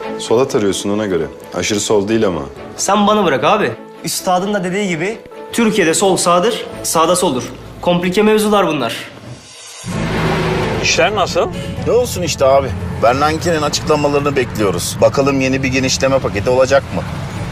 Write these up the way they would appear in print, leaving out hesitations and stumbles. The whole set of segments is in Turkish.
Sola tarıyorsun ona göre. Aşırı sol değil ama. Sen bana bırak abi. Üstadın da dediği gibi Türkiye'de sol sağdır, sağda soldur. Komplike mevzular bunlar. İşler nasıl? Ne olsun işte abi. Bernanke'nin açıklamalarını bekliyoruz. Bakalım yeni bir genişleme paketi olacak mı?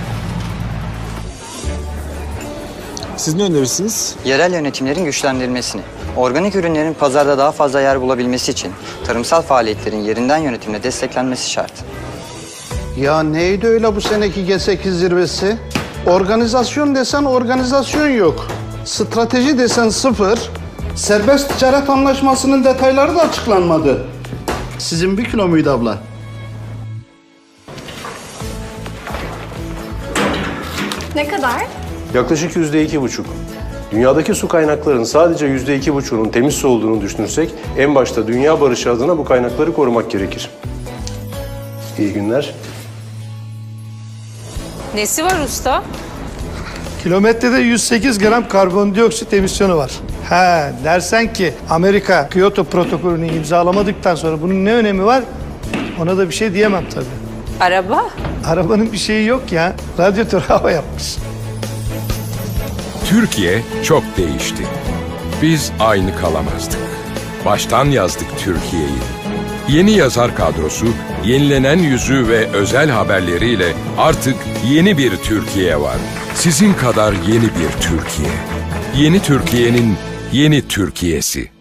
Siz ne önerirsiniz? Yerel yönetimlerin güçlendirilmesini, organik ürünlerin pazarda daha fazla yer bulabilmesi için tarımsal faaliyetlerin yerinden yönetimle desteklenmesi şart. Ya neydi öyle bu seneki G8 zirvesi? Organizasyon desen organizasyon yok. Strateji desen sıfır. Serbest ticaret anlaşmasının detayları da açıklanmadı. Sizin 1 kilo muydu abla? Ne kadar? Yaklaşık %2,5. Dünyadaki su kaynaklarının sadece %2,5'unun temiz su olduğunu düşünürsek, en başta dünya barışı adına bu kaynakları korumak gerekir. İyi günler. Nesi var usta? Kilometrede 108 gram karbondioksit emisyonu var. Ha dersen ki Amerika Kyoto protokolünü imzalamadıktan sonra bunun ne önemi var? Ona da bir şey diyemem tabii. Araba? Arabanın bir şeyi yok ya. Radyatör hava yapmış. Türkiye çok değişti. Biz aynı kalamazdık. Baştan yazdık Türkiye'yi. Yeni yazar kadrosu, yenilenen yüzü ve özel haberleriyle artık yeni bir Türkiye var. Sizin kadar yeni bir Türkiye. Yeni Türkiye'nin yeni Türkiye'si.